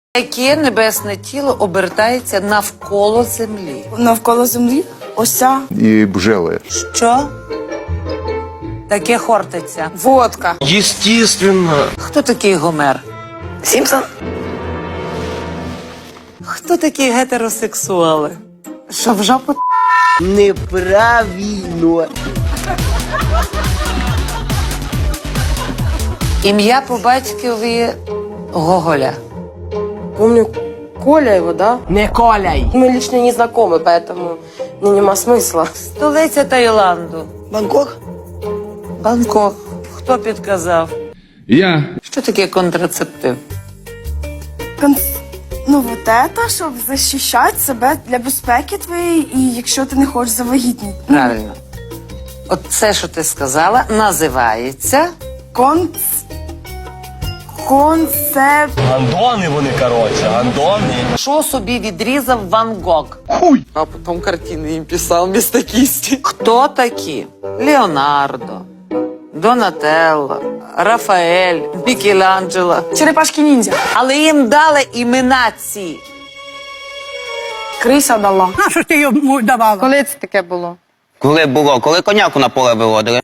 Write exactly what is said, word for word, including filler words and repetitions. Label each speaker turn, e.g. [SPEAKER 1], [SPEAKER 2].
[SPEAKER 1] Яке небесне тіло обертається навколо землі?
[SPEAKER 2] Навколо землі? Ося.
[SPEAKER 3] І бжели.
[SPEAKER 1] Що? Таке хортиця.
[SPEAKER 2] Водка.
[SPEAKER 4] Естественно.
[SPEAKER 1] Хто такий Гомер?
[SPEAKER 2] Сімпсон.
[SPEAKER 1] Хто такі гетеросексуали? Що в жопу?
[SPEAKER 4] Неправильно.
[SPEAKER 1] Ім'я по батькові Гоголя.
[SPEAKER 5] Помню Коля его, да?
[SPEAKER 4] Не коляй.
[SPEAKER 5] Мы лично не знакомы, поэтому ну, нема смысла.
[SPEAKER 1] Столиця Таїланду.
[SPEAKER 2] Бангкок.
[SPEAKER 1] Бангкок. Хто підказав?
[SPEAKER 6] Я.
[SPEAKER 1] Що таке контрацептив?
[SPEAKER 2] Конс... Ну, вот это, щоб захищати себе для безпеки твоєї, і якщо ти не хочеш завагітніти.
[SPEAKER 1] Правильно. От це, що ти сказала, називається
[SPEAKER 2] Конц... Концепт...
[SPEAKER 4] Гандони вони, коротше, гандони.
[SPEAKER 1] що собі відрізав Ван Гог.
[SPEAKER 5] А потом картины им писал вместо кисти.
[SPEAKER 1] Хто такі? Леонардо, Донателло, Рафаель, Мікеланджело.
[SPEAKER 2] Черепашки ніндзя.
[SPEAKER 1] Але їм дали імена ці.
[SPEAKER 2] Криса дала.
[SPEAKER 7] А що ж ти йому давала?
[SPEAKER 8] Коли це таке було?
[SPEAKER 9] Коли було? Коли коняку на поле виводили?